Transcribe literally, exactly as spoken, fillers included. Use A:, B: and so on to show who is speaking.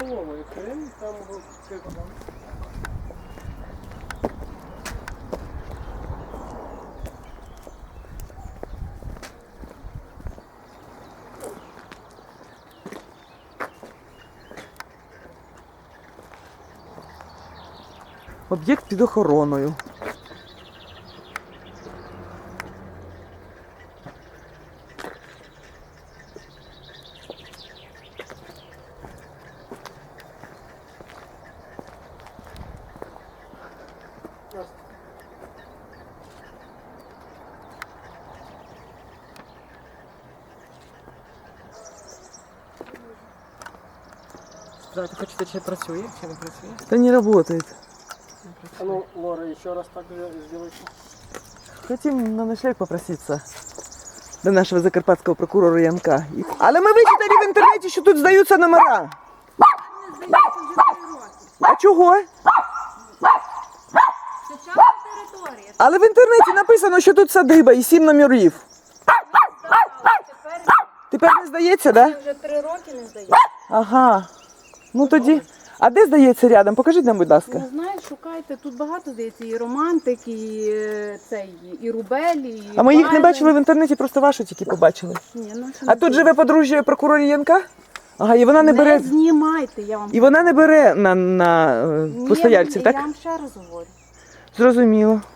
A: столова, якщо він там
B: об'єкт під охороною.
C: Да, ты хочешь, чи працює, чи не працює?
B: Та не работает.
A: А ну, Лора, еще раз так сделайте.
B: Хотим на ночлег попроситься до нашого закарпатського прокурора Янка. Але ми вичитали в інтернеті, що тут здаються номера. А чого?
D: Це частна територія.
B: Але в інтернеті написано, що тут садиба і сім номерів.
D: Тепер
B: Тепер не здається, так? Да?
D: вже три роки не здається.
B: Ага. Ну тоді. А де здається рядом? Покажіть нам, будь ласка.
D: Не знаю, шукайте. Тут багато здається. І романтик, і е, цей, і рубель, і
B: А ми їх не
D: Байрон.
B: бачили в інтернеті, просто вашу тільки побачили.
D: Ні, ну, що
B: А
D: не
B: тут живе подружжя прокурора Янка? Ага, і вона не
D: Не
B: бере.
D: знімайте, я вам
B: І вона не бере на, на е,
D: Ні,
B: постояльців,
D: я
B: так?
D: вам ще раз говорю.
B: Зрозуміло.